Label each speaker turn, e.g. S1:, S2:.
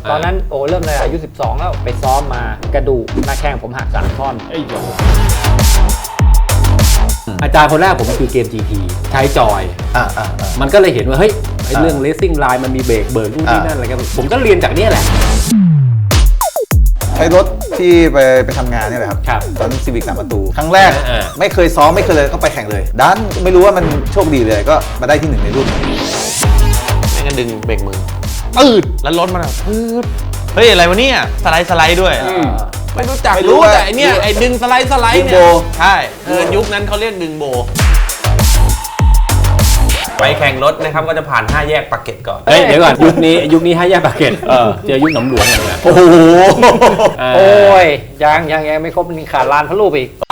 S1: ตอนนั้นโอ้เริ่มเลยอายุ 12 แล้วไปซ้อมมากระดูกหน้าแข้งผมหัก3 ท่อนอาจารย์คนแรกผมคือเกม GP ใช้จอยมันก็เลยเห็นว่าเฮ้ยเรื่อง racing line มันมีเบรกเบิร์นนู่นนี่นั่นอะไรกันผมก็เรียนจากนี้แหละ
S2: ใช้รถที่ไปทำงานนี่แหละครับตอนซีวิก3 ประตูครั้งแรกไม่เคยซ้อมไม่เคยเลยก็ไปแข่งเลยดันไม่รู้ว่ามันโชคดีเลยก็มาได้ที่1ในรุ่น
S3: ไม่งั้นดึงเบรกมือปืดแล้วรถมันปืดเฮ้ยอะไรวะเนี่ยสไลด์ด้วยไม่รู้จักรู้แต่ไอเนี่ยไอดึงสไลด์เนี่ยใช่ยุคนั้นเขาเรียกดึงโบไปแข่งรถนะครับก็จะผ่าน5 แยกปากเกร็ดก่อน
S1: เดี๋ยวก่อนยุคนี้5 แยกปากเกร็ดเจอยุคหนำหลวงอย่างเงี้ย
S2: โอ้โห
S1: โอ้ยยังไม่ครบมีขาดลานพระรูปอีก